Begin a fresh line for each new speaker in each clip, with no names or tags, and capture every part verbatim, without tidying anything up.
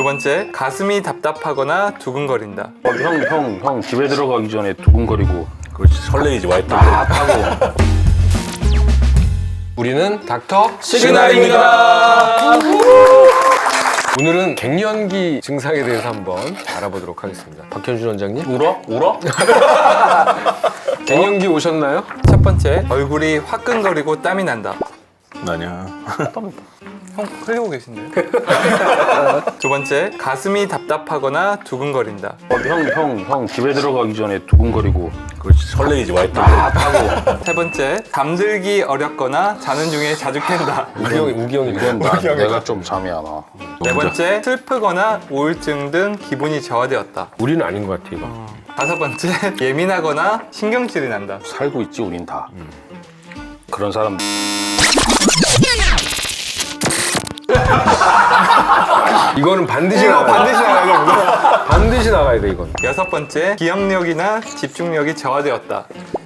두 번째, 가슴이 답답하거나 두근거린다.
어, 형, 형, 형 집에 들어가기 전에 두근거리고
그렇지, 설레이지 와이프.
아 하고.
우리는 닥터
시그널입니다.
오늘은 갱년기 증상에 대해서 한번 알아보도록 하겠습니다. 박현준 원장님,
울어? 울어?
갱년기 오셨나요?
첫 번째, 얼굴이 화끈거리고 땀이 난다.
나냐?
형 흘리고 계신데요? 두 번째, 가슴이 답답하거나 두근거린다.
어, 형, 형, 형 집에 들어가기 전에 두근거리고.
그렇지, 설레이지 와이프.
아 하고.
세 번째, 잠들기 어렵거나 자는 중에 자주 깬다.
우기 형이 우기 형이
이건 나, 내가 좀 잠이 안 와.
네 번째, 슬프거나 우울증 등 기분이 저하되었다.
우리는 아닌 것 같아 이거.
다섯 번째, 예민하거나 신경질이 난다.
살고 있지 우린 다. 그런 사람.
이거는 반드시
이거
나가야
반드시 나가야 됩니다.
돼. 반드시 나가야 돼 이건.
여섯 번째, 기억력이나 집중력이 저하되었다.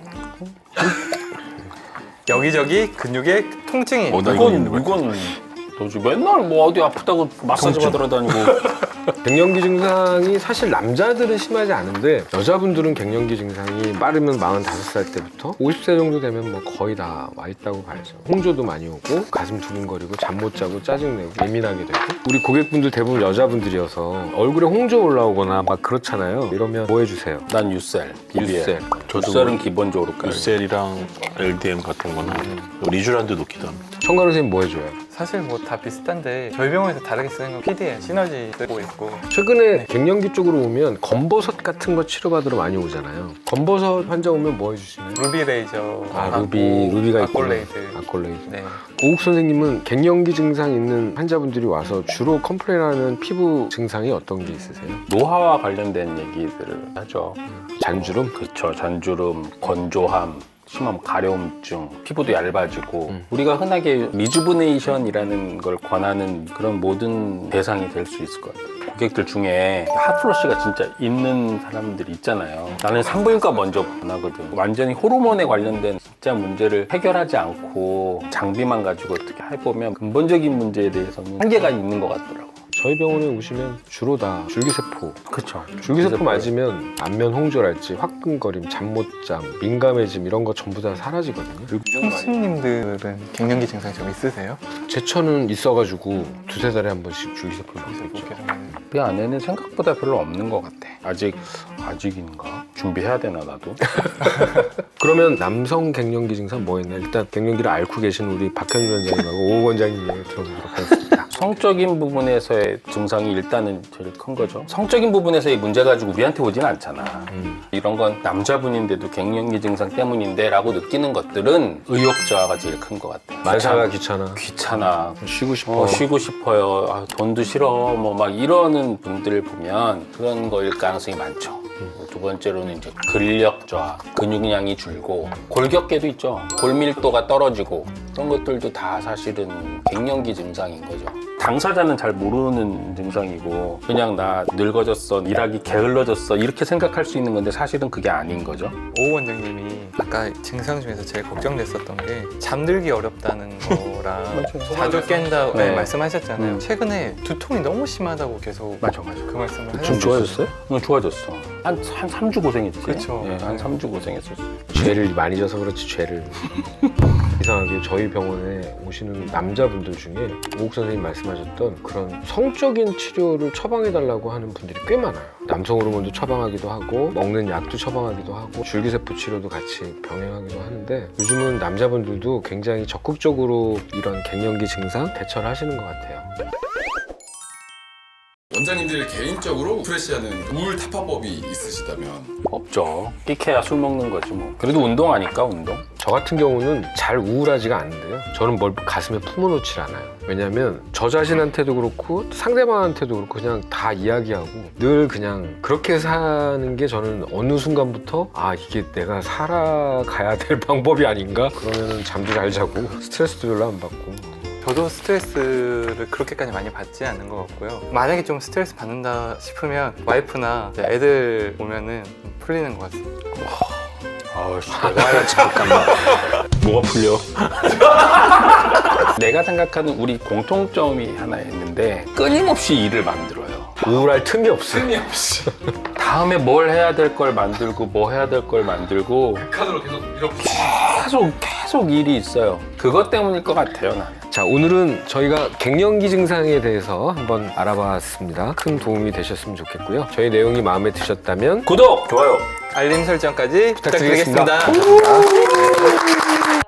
여기저기 근육에 통증이.
어, 나
이건
이건
이건 도대체 맨날 뭐 어디 아프다고 마사지 받으러 다니고.
갱년기 증상이 사실 남자들은 심하지 않은데 여자분들은 갱년기 증상이 빠르면 마흔다섯 살 때부터 오십 세 정도 되면 뭐 거의 다 와 있다고 봐야죠. 홍조도 많이 오고 가슴 두근거리고 잠 못 자고 짜증내고 예민하게 되고. 우리 고객분들 대부분 여자분들이어서 얼굴에 홍조 올라오거나 막 그렇잖아요. 이러면 뭐 해주세요?
난 유셀, 비비에.
유셀.
유셀은 기본적으로 깔.
유셀이랑 엘디엠 같은 거는 리쥬란드 놓기도 합니다.
청가루 선생님 뭐 해줘요?
사실 뭐 다 비슷한데 저희 병원에서 다르게 쓰는 건 피디에 시너지 쓰고 있고.
최근에 갱년기 쪽으로 오면 검버섯 같은 거 치료받으러 많이 오잖아요. 검버섯 환자 오면 뭐 해주시나요?
루비 레이저.
아 루비, 루비가 있고
아콜레이드.
아콜레이드.
네.
오욱 선생님은 갱년기 증상 있는 환자분들이 와서 주로 컴플레인하는 피부 증상이 어떤 게 있으세요?
노화와 관련된 얘기들을 하죠.
잔주름?
그렇죠. 잔주름, 건조함, 심하면 가려움증, 피부도 얇아지고.
음.
우리가 흔하게 리주브네이션이라는 걸 권하는 그런 모든 대상이 될 수 있을 것 같아요. 고객들 중에 핫플러시가 진짜 있는 사람들이 있잖아요. 나는 산부인과 먼저 권하거든. 완전히 호르몬에 관련된 진짜 문제를 해결하지 않고 장비만 가지고 어떻게 해보면 근본적인 문제에 대해서는 한계가 있는 것 같더라고.
저희 병원에 오시면 주로 다 줄기세포.
그렇죠.
줄기세포 맞으면 안면 홍조랄지 화끈거림, 잠 못 잠, 민감해짐 이런 거 전부 다 사라지거든요. 그리고
형수님들은 갱년기 증상이 좀 있으세요?
제천은 있어가지고 두세 달에 한 번씩 줄기세포를 맞고 있죠.
그 안에는 생각보다 별로 없는 것 같아. 아직, 아직인가? 준비해야 되나, 나도?
그러면 남성 갱년기 증상 뭐 있나요? 일단 갱년기를 앓고 계신 우리 박현준 원장님하고 오욱 원장님 얘기 들어보도록 하겠습니다.
성적인 부분에서의 증상이 일단은 제일 큰 거죠. 성적인 부분에서의 문제 가지고 우리한테 오진 않잖아.
음.
이런 건 남자분인데도 갱년기 증상 때문인데 라고 느끼는 것들은 의욕 저하가 제일 큰 것 같아.
만사가 귀찮아.
귀찮아.
쉬고 싶어.
어, 쉬고 싶어요. 아, 돈도 싫어. 뭐 막 이러는 분들을 보면 그런 거일 가능성이 많죠. 두 번째로는 이제 근력 저하, 근육량이 줄고 골격계도 있죠. 골밀도가 떨어지고 그런 것들도 다 사실은 갱년기 증상인 거죠. 당사자는 잘 모르는 증상이고 그냥 나 늙어졌어, 일하기 게을러졌어 이렇게 생각할 수 있는 건데 사실은 그게 아닌 거죠.
오 원장님이 아까 증상 중에서 제일 걱정됐었던 게 잠들기 어렵다는 거랑 자주 깬다고
네.
말씀하셨잖아요.
음.
최근에 두통이 너무 심하다고 계속
맞아, 맞아.
그 말씀을
좀
하셨어요.
좋아졌어요? 응, 좋아졌어. 한, 한 삼 주 고생했지.
그쵸.
예, 한 삼 주 고생했었어.
죄를 많이 져서 그렇지 죄를. 이상하게 저희 병원에 오시는 남자분들 중에 오욱 선생님 말씀하셨던 그런 성적인 치료를 처방해달라고 하는 분들이 꽤 많아요. 남성 호르몬도 처방하기도 하고 먹는 약도 처방하기도 하고 줄기세포 치료도 같이 병행하기도 하는데 요즘은 남자분들도 굉장히 적극적으로 이런 갱년기 증상 대처를 하시는 것 같아요.
원장님들 개인적으로 프레시하는 우울 타파법이 있으시다면?
없죠. 끼케야 술 먹는 거지 뭐. 그래도 운동하니까 운동.
저 같은 경우는 잘 우울하지가 않은데요. 저는 뭘 가슴에 품어놓질 않아요. 왜냐면 저 자신한테도 그렇고 상대방한테도 그렇고 그냥 다 이야기하고 늘 그냥 그렇게 사는 게 저는 어느 순간부터 아 이게 내가 살아가야 될 방법이 아닌가? 그러면은 잠도 잘 자고 스트레스도 별로 안 받고.
저도 스트레스를 그렇게까지 많이 받지 않는 것 같고요. 만약에 좀 스트레스 받는다 싶으면 와이프나 이제 애들 오면은 풀리는 것 같습니다.
아씨, 내가 잠깐만. 뭐가 풀려? 내가 생각하는 우리 공통점이 하나 있는데 끊임없이 일을 만들어요.
우울할 틈이 없어.
틈이 없이
다음에 뭘 해야 될 걸 만들고 뭐 해야 될 걸 만들고
카드로 계속 이렇게
계속 계속 일이 있어요. 그것 때문일 것 같아요, 나는.
자, 오늘은 저희가 갱년기 증상에 대해서 한번 알아봤습니다. 큰 도움이 되셨으면 좋겠고요. 저희 내용이 마음에 드셨다면
구독, 좋아요.
알림 설정까지
부탁드리겠습니다.
부탁드리겠습니다.
감사합니다.